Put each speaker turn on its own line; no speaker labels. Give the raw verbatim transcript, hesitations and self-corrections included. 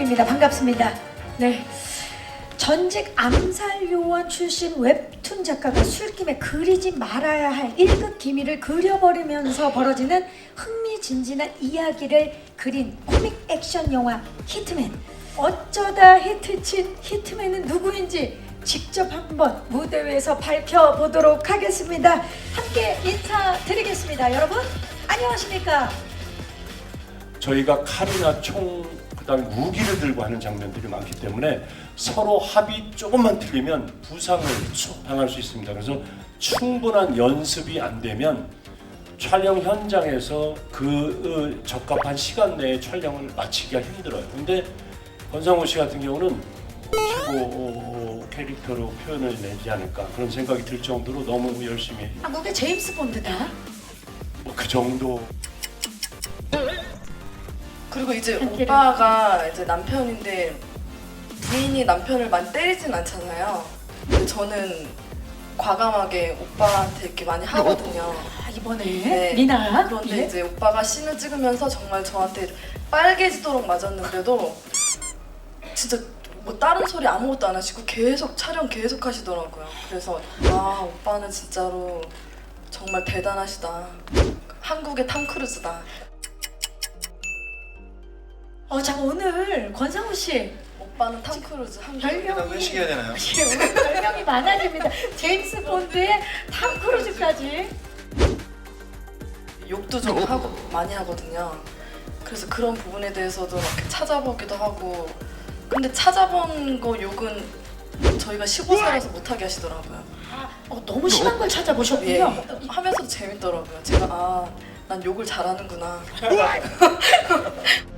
인사드립니다. 반갑습니다. 네. 전직 암살 요원 출신 웹툰 작가가 술김에 그리지 말아야 할 일 급 기밀을 그려버리면서 벌어지는 흥미진진한 이야기를 그린 코믹 액션 영화 히트맨. 어쩌다 히트친 히트맨은 누구인지 직접 한번 무대 위에서 밝혀보도록 하겠습니다. 함께 인사드리겠습니다. 여러분 안녕하십니까?
저희가 칼이나 총, 그다음에 무기를 들고 하는 장면들이 많기 때문에 서로 합이 조금만 틀리면 부상을 당할 수 있습니다. 그래서 충분한 연습이 안 되면 촬영 현장에서 그 적합한 시간 내에 촬영을 마치기가 힘들어요. 근데 권상우 씨 같은 경우는 최고 캐릭터로 표현을 내지 않을까 그런 생각이 들 정도로 너무 열심히.
한국의 제임스 본드다.
뭐 그 정도.
그리고 이제 오빠가 이제 남편인데 부인이 남편을 많이 때리진 않잖아요. 근데 저는 과감하게 오빠한테 이렇게 많이 하거든요.
아, 이번에
네.
미나.
그런데
예?
이제 오빠가 씬을 찍으면서 정말 저한테 빨개지도록 맞았는데도 진짜 뭐 다른 소리 아무것도 안 하시고 계속 촬영 계속 하시더라고요. 그래서 아 오빠는 진짜로 정말 대단하시다. 한국의 탐 크루즈다.
어, 자 오늘 권상우 씨
오빠는 탐 크루즈 한국.
별명이
회식해야 되나요?
예, 오늘 별명이 많아집니다. 제임스 본드의 탐 크루즈까지.
욕도 좀 하고 많이 하거든요. 그래서 그런 부분에 대해서도 막 이렇게 찾아보기도 하고. 근데 찾아본 거 욕은 저희가 십오 살에서 못하게 하시더라고요.
아, 어, 너무 심한 걸
예,
찾아보셨군요.
하면서도 재밌더라고요. 제가 아, 난 욕을 잘하는구나.